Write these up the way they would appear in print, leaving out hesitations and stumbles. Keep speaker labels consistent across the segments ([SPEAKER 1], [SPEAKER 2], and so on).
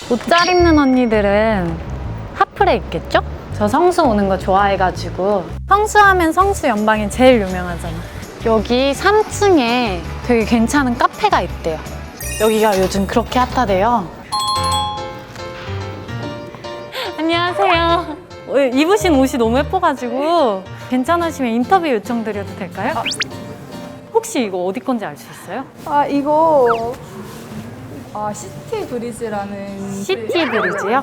[SPEAKER 1] 옷 잘 입는 언니들은 핫플에 있겠죠? 저 성수 오는 거 좋아해가지고. 성수하면 성수 연방이 제일 유명하잖아. 여기 3층에 되게 괜찮은 카페가 있대요. 여기가 요즘 그렇게 핫하대요. 안녕하세요. 입으신 옷이 너무 예뻐가지고 괜찮으시면 인터뷰 요청드려도 될까요? 혹시 이거 어디 건지 알 수 있어요?
[SPEAKER 2] 이거 시티 브리즈라는
[SPEAKER 1] 시티 브리즈요?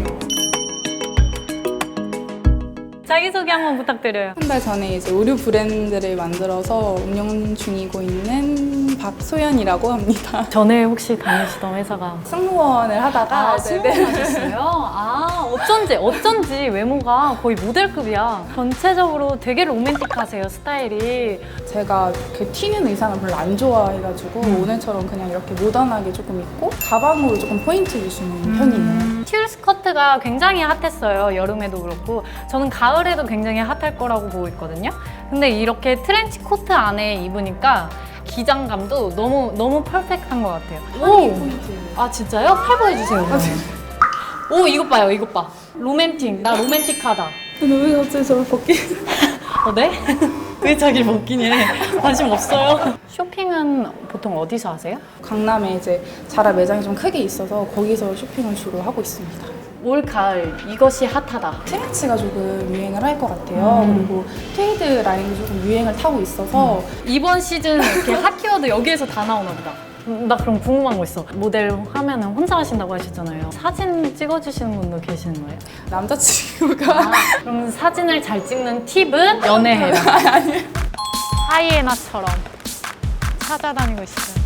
[SPEAKER 1] 자기소개 한번 부탁드려요.
[SPEAKER 2] 한 달 전에 이제 의류 브랜드를 만들어서 운영 중이고 있는 박소연이라고 합니다.
[SPEAKER 1] 전에 혹시 다니시던 회사가
[SPEAKER 2] 승무원을 하다가
[SPEAKER 1] 승무원하셨어요? 어쩐지 외모가 거의 모델급이야. 전체적으로 되게 로맨틱하세요, 스타일이.
[SPEAKER 2] 제가 그 튀는 의상을 별로 안 좋아해가지고 오늘처럼 그냥 이렇게 모던하게 조금 입고 가방으로 조금 포인트 주시는 편이에요.
[SPEAKER 1] 튤 스커트가 굉장히 핫했어요. 여름에도 그렇고. 저는 가을에도 굉장히 핫할 거라고 보고 있거든요. 근데 이렇게 트렌치 코트 안에 입으니까 기장감도 너무 퍼펙트한 것 같아요.
[SPEAKER 2] 허리 포인트.
[SPEAKER 1] 아 진짜요? 팔 보여주세요. 그러면. 오 이것 봐요, 이것 봐. 로맨틱. 나 로맨틱하다.
[SPEAKER 2] 근데 왜 갑자기 저를 벗기?
[SPEAKER 1] 네? 왜 자기 벗기니? 관심 없어요? 쇼핑은 보통 어디서 하세요?
[SPEAKER 2] 강남에 이제 자라 매장이 좀 크게 있어서 거기서 쇼핑을 주로 하고 있습니다.
[SPEAKER 1] 올 가을 이것이 핫하다.
[SPEAKER 2] 트렌치가 조금 유행을 할 것 같아요. 그리고 트레이드 라인도 조금 유행을 타고 있어서
[SPEAKER 1] 이번 시즌 이렇게 핫 키워드 여기에서 다 나오나 보다. 나 그럼 궁금한 거 있어. 모델 하면은 혼자 하신다고 하셨잖아요. 사진 찍어주시는 분도 계시는 거예요?
[SPEAKER 2] 남자친구가
[SPEAKER 1] 그럼 사진을 잘 찍는 팁은 연애해라. 하이에나처럼 찾아다니고 있어요.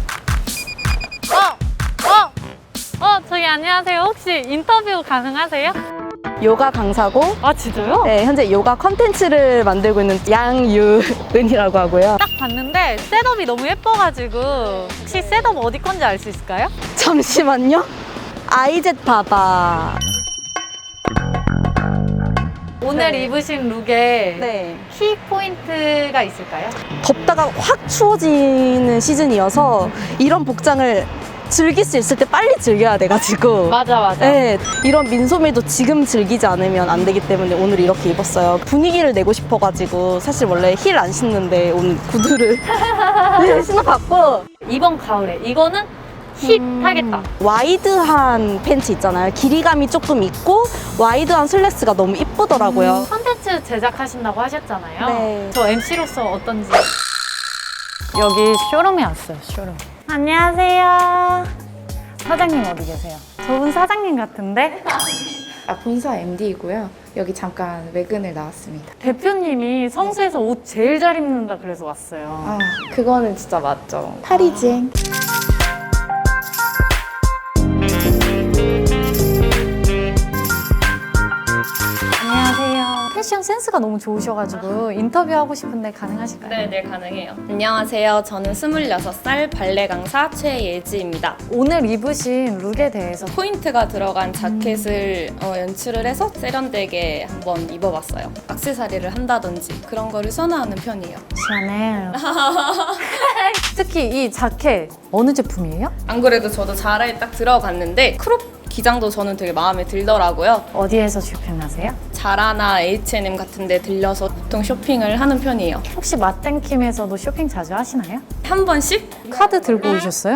[SPEAKER 1] 저기 안녕하세요. 혹시 인터뷰 가능하세요?
[SPEAKER 3] 요가 강사고,
[SPEAKER 1] 아 진짜요?
[SPEAKER 3] 네, 현재 요가 컨텐츠를 만들고 있는 양유은이라고 하고요.
[SPEAKER 1] 딱 봤는데 셋업이 너무 예뻐가지고 혹시 셋업 어디 건지 알 수 있을까요?
[SPEAKER 3] 잠시만요. 아이젯 바바.
[SPEAKER 1] 오늘
[SPEAKER 3] 네.
[SPEAKER 1] 입으신 룩에
[SPEAKER 3] 네.
[SPEAKER 1] 키 포인트가 있을까요?
[SPEAKER 3] 덥다가 확 추워지는 시즌이어서 이런 복장을 즐길 수 있을 때 빨리 즐겨야 돼가지고.
[SPEAKER 1] 맞아.
[SPEAKER 3] 네, 이런 민소매도 지금 즐기지 않으면 안 되기 때문에 오늘 이렇게 입었어요. 분위기를 내고 싶어가지고 사실 원래 힐 안 신는데 오늘 구두를 네, 신어봤고.
[SPEAKER 1] 이번 가을에 이거는 힙하겠다.
[SPEAKER 3] 와이드한 팬츠 있잖아요. 길이감이 조금 있고 와이드한 슬랙스가 너무 이쁘더라고요.
[SPEAKER 1] 콘텐츠 제작하신다고 하셨잖아요.
[SPEAKER 3] 네.
[SPEAKER 1] 저 MC로서 어떤지. 여기 쇼룸에 왔어요, 쇼룸. 안녕하세요. 사장님 어디 계세요? 저분 사장님 같은데?
[SPEAKER 4] 본사 MD이고요. 여기 잠깐 외근을 나왔습니다.
[SPEAKER 1] 대표님이 성수에서 옷 제일 잘 입는다 그래서 왔어요.
[SPEAKER 4] 그거는 진짜 맞죠. 파리지행.
[SPEAKER 1] 안녕하세요. 패션 센스가 너무 좋으셔가지고 인터뷰하고 싶은데 가능하실까요?
[SPEAKER 5] 네, 가능해요. 안녕하세요. 저는 26살 발레 강사 최예지입니다.
[SPEAKER 1] 오늘 입으신 룩에 대해서
[SPEAKER 5] 포인트가 들어간 자켓을 연출을 해서 세련되게 한번 입어봤어요. 액세서리를 한다든지 그런 거를 선호하는 편이에요.
[SPEAKER 1] 샤넬. 특히 이 자켓 어느 제품이에요?
[SPEAKER 5] 안 그래도 저도 자라에 딱 들어갔는데 크롭 기장도 저는 되게 마음에 들더라고요.
[SPEAKER 1] 어디에서 쇼핑하세요?
[SPEAKER 5] 자라나 H&M 같은 데 들려서 보통 쇼핑을 하는 편이에요.
[SPEAKER 1] 혹시 맛땡킴에서도 쇼핑 자주 하시나요?
[SPEAKER 5] 한 번씩?
[SPEAKER 1] 카드 들고 오셨어요?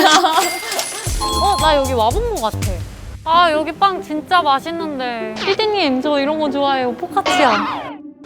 [SPEAKER 1] 나 여기 와본 것 같아. 아, 여기 빵 진짜 맛있는데. 피디님, 저 이런 거 좋아해요. 포카치아.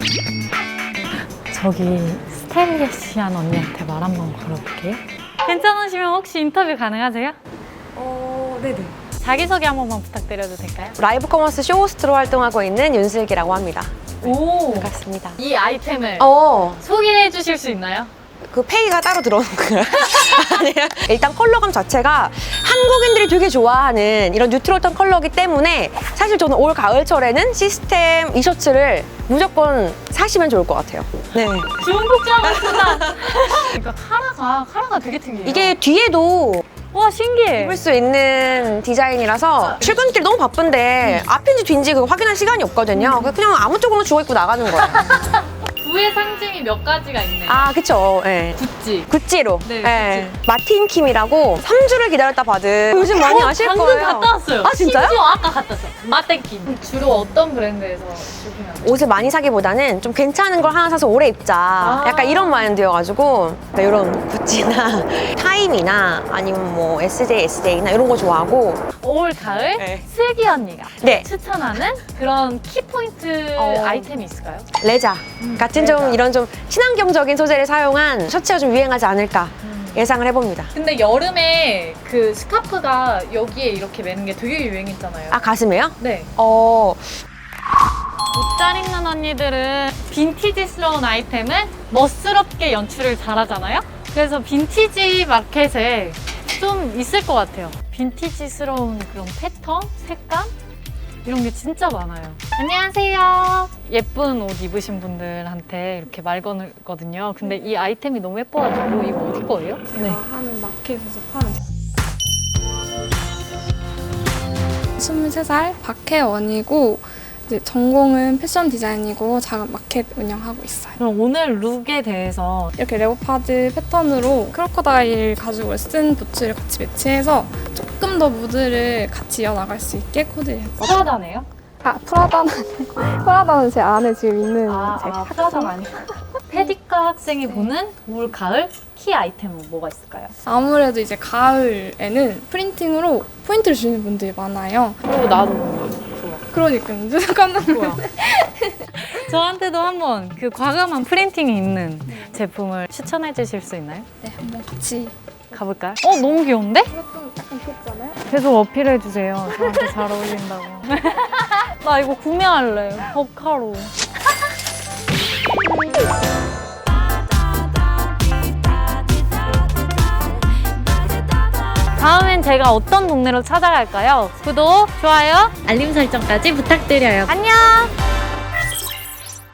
[SPEAKER 1] 저기 스타일리시한 언니한테 말 한번 걸어볼게요. 괜찮으시면 혹시 인터뷰 가능하세요?
[SPEAKER 6] 네네.
[SPEAKER 1] 자기소개 한 번만 부탁드려도 될까요?
[SPEAKER 6] 라이브 커머스 쇼호스트로 활동하고 있는 윤슬기라고 합니다.
[SPEAKER 1] 오,
[SPEAKER 6] 반갑습니다.
[SPEAKER 1] 이 아이템을 소개해 주실 수 있나요?
[SPEAKER 6] 그 페이가 따로 들어오는 거예요. 아니에요. 일단 컬러감 자체가 한국인들이 되게 좋아하는 이런 뉴트럴한 컬러이기 때문에 사실 저는 올 가을철에는 시스템 이 셔츠를 무조건 사시면 좋을 것 같아요. 네.
[SPEAKER 1] 좋은 복장이구나. 그러니까 카라가 되게 특이해요.
[SPEAKER 6] 이게 뒤에도
[SPEAKER 1] 와, 신기해.
[SPEAKER 6] 입을 수 있는 디자인이라서 출근길 너무 바쁜데 앞인지 뒤인지 그거 확인할 시간이 없거든요. 그냥 아무 쪽으로 주워 입고 나가는 거예요.
[SPEAKER 1] 구의 상징이 몇 가지가 있네요.
[SPEAKER 6] 아, 그쵸. 예.
[SPEAKER 1] 구찌.
[SPEAKER 6] 구찌로.
[SPEAKER 1] 네,
[SPEAKER 6] 예. 마틴 킴이라고 3주를 기다렸다 받은 요즘 많이 아실
[SPEAKER 1] 방금
[SPEAKER 6] 거예요.
[SPEAKER 1] 갔다 왔어요.
[SPEAKER 6] 아, 진짜요?
[SPEAKER 1] 심지어 아까 갔다 왔어요. 마땡킴. 주로 어떤 브랜드에서 쇼핑하세요?
[SPEAKER 6] 옷을 많이 사기보다는 좀 괜찮은 걸 하나 사서 오래 입자. 약간 이런 마인드여가지고 이런 구찌나 타임이나 아니면 뭐 SJ, SJ나 이런 거 좋아하고.
[SPEAKER 1] 올 가을
[SPEAKER 6] 네.
[SPEAKER 1] 슬기 언니가
[SPEAKER 6] 네.
[SPEAKER 1] 추천하는 그런 키포인트 아이템이 있을까요?
[SPEAKER 6] 레자 같은
[SPEAKER 1] 레자.
[SPEAKER 6] 좀 이런 좀 친환경적인 소재를 사용한 셔츠가 좀 유행하지 않을까 예상을 해봅니다.
[SPEAKER 1] 근데 여름에 그 스카프가 여기에 이렇게 매는 게 되게 유행했잖아요.
[SPEAKER 6] 아, 가슴에요?
[SPEAKER 1] 네.
[SPEAKER 6] 옷
[SPEAKER 1] 잘 입는 언니들은 빈티지스러운 아이템을 멋스럽게 연출을 잘하잖아요. 그래서 빈티지 마켓에 좀 있을 것 같아요. 빈티지스러운 그런 패턴, 색감 이런 게 진짜 많아요. 안녕하세요. 예쁜 옷 입으신 분들한테 이렇게 말 거거든요. 근데 이 아이템이 너무 예뻐가지고 이거 어디 거예요? 네.
[SPEAKER 2] 하는 마켓에서 파는 23살 박혜원이고 이제 전공은 패션 디자인이고 작은 마켓 운영하고 있어요.
[SPEAKER 1] 그럼 오늘 룩에 대해서
[SPEAKER 2] 이렇게 레오파드 패턴으로 크로커다일 가죽을 쓴 부츠를 같이 매치해서 조금 더 무드를 같이 이어나갈 수 있게 코디했어요.
[SPEAKER 1] 프라다네요?
[SPEAKER 2] 프라다는 아니고 프라다는 제 안에 지금 있는 제
[SPEAKER 1] 프라다 아니고 페디카 학생이 보는 올 가을 키 아이템은 뭐가 있을까요?
[SPEAKER 2] 아무래도 이제 가을에는 프린팅으로 포인트를 주는 분들이 많아요.
[SPEAKER 1] 그리고 나도
[SPEAKER 2] 그러니까 진짜 깜짝 놀랐어요.
[SPEAKER 1] 저한테도 한번 그 과감한 프린팅이 있는 제품을 추천해 주실 수 있나요?
[SPEAKER 2] 네, 한번 같이.
[SPEAKER 1] 가볼까요? 너무 귀여운데?
[SPEAKER 2] 좀 약간 귀엽잖아요?
[SPEAKER 1] 계속 어필해 주세요. 저한테 잘 어울린다고. 나 이거 구매할래. 버카로. 다음엔 제가 어떤 동네로 찾아갈까요? 구독, 좋아요, 알림 설정까지 부탁드려요. 안녕!